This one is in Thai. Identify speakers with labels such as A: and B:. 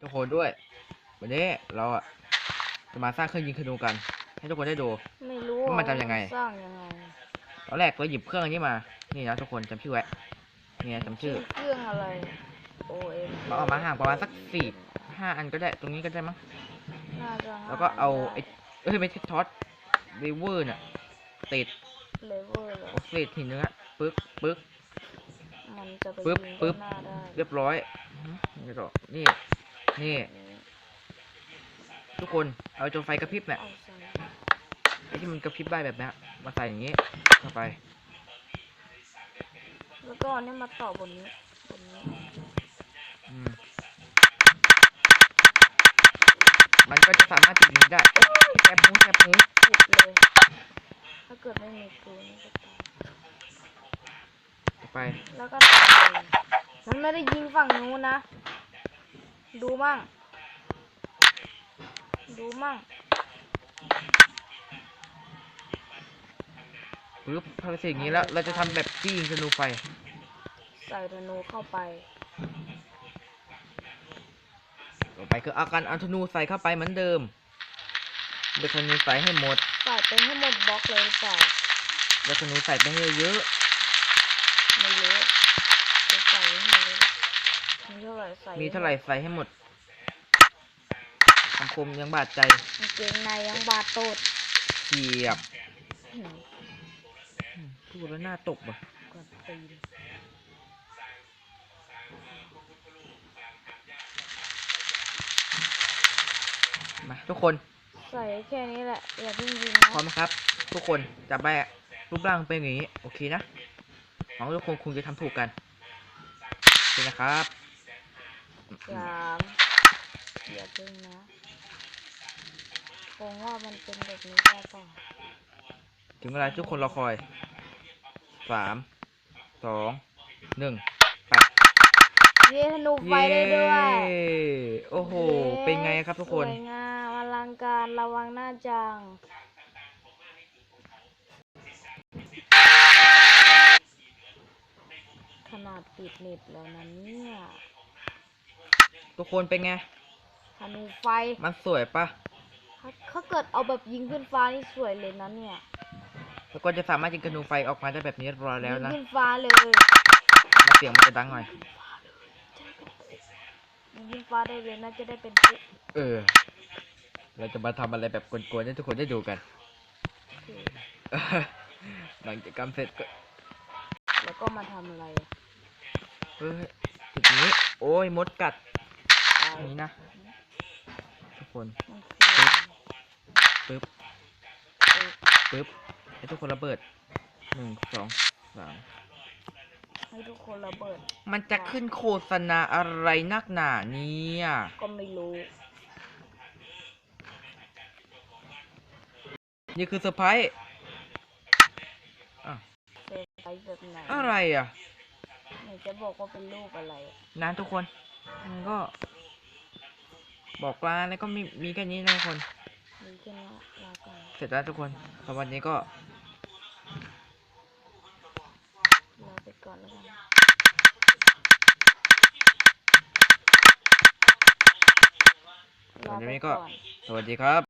A: ทุกคนด้วยวันนี้เราจะมาสร้างเครื่องยิงธนูกันให้ทุกคนได้ดู
B: ไม่รู้
A: ว่ามันทำยังไง
B: สร้างยังไง
A: ตอนแรกเราหยิบเครื่องอันนี้มานี่นะทุกคนจำชื่อไว้เนี่ยจำชื่อ
B: เครื่องอะไร OM
A: เราเอามาห่างประมาณสัก4-5 อันก็ได้ตรงนี้ก็ได้มั้ง
B: น่าจะ
A: แล้วก็เอาไม่ใช่ท็อตเลเวอร์น่ะติด
B: เลเวอร์เหรอ
A: เศษหินเนื้อปึ๊ก
B: มันจะไป
A: ปึ๊บ
B: ยิงหน้าได้
A: เรียบร้อยนี่ต่อนี่ทุกคนเอาจนไฟกระพริบเนี่ยไอ้ที่มันกระพริบได้แบบนี้มาใส่อย่างนี้เข้าไป
B: แล้วก็เนี่ยมาต่อบนนี้
A: มันก็จะสามารถติดนี้ได้แคบหู
B: ติดเลยถ้าเกิดไม่มีกูนี่ก็ตาย
A: ไป
B: แล้วก็ตายมันไม่ได้ยิงฝั่งนู้นนะดูมั่ง
A: ปึ๊บพอเสร็จอย่างนี้แล้วเราจะทำแบบที่ยิงธนูไฟ
B: ใส่ธนูเข้าไป
A: ต่อไปคือเอาการเอาธนูใส่เข้าไปเหมือนเดิมเด็กธนูใส่ให้หมด
B: ใส่ไปให้หมดบล็อกเลยหรือเปล่า
A: เด็กธนูใส่ไปให้เยอะ
B: ไม่เยอะจะใส่ให้หมดมีเท่าไหร่ใ
A: ส่ให้หมดคำคมยังบาดใจ
B: เกงในยังบาดโตด
A: เฉียบพูดแล้วหน้าตกบ่มาทุกคน
B: ใส่แค่นี้แหละอย่าเพิ่งยิง
A: พร้อมครับทุกคนจับไปรูปร่างเป็นอย่างนี้โอเคนะหวังว่าทุกคนคงจะทำถูกกันโอเคนะครับ
B: อย่าเพิ่งนะคงว่ามันเป็นแบบนี้ได้ป่ะ
A: ถึงเวลาทุกคนรอคอย3 2 1ไป
B: เย้ธนูไฟได้ด้วย
A: โอ้โหเป็นไงครับทุกคน
B: สวยงามอลังการระวังหน้าจังขนาดปิดเน็ตแล้วนะเนี่ย
A: ทุกคนเป็นไง
B: ธนูไฟ
A: มันสวยปะ
B: ถ้าเกิดเอาแบบยิงขึ้นฟ้านี่สวยเลยนะเนี่ย
A: แล้วก็จะสามารถยิงธนูไฟออกมาได้แบบนี้รอแล้วนะ
B: ยิงขึ้นฟ้าเลย
A: เสียงมันจะดังหน่อย
B: ยิงฟ้าได้เลยน่าจะได้เป็น
A: เราจะมาทำอะไรแบบกวนๆให้ทุกคนได้ดูกันหลังจากกรรมเสร็จก็
B: แล้วก็มาทำอะไร
A: จุดนี้โอ้ยมดกัดนี้นะทุกคนปึ๊บให้ทุกคนระเบิด1 2 3
B: ให้ทุกคนระเบิด
A: มันจะขึ้นโฆษณาอะไรนักหนาเนี่ย
B: ก็ไม่รู้
A: นี่คือเซอร์ไพรส์
B: เซอร์ไพรส์แบบไหน
A: อะไร
B: ไหนจะบอกว่าเป็นรูปอะไร
A: นะทุกคนมันก็บอกลาแล้วก็มีแค่นี้นะทุกคน
B: มีแค่นี้ลาก่อน
A: เสร็จแล้วทุกคนสำหรับวันนี้ก็
B: ลาไปก่อนแล้วกัน
A: วันนี้ก็สวัสดีครับ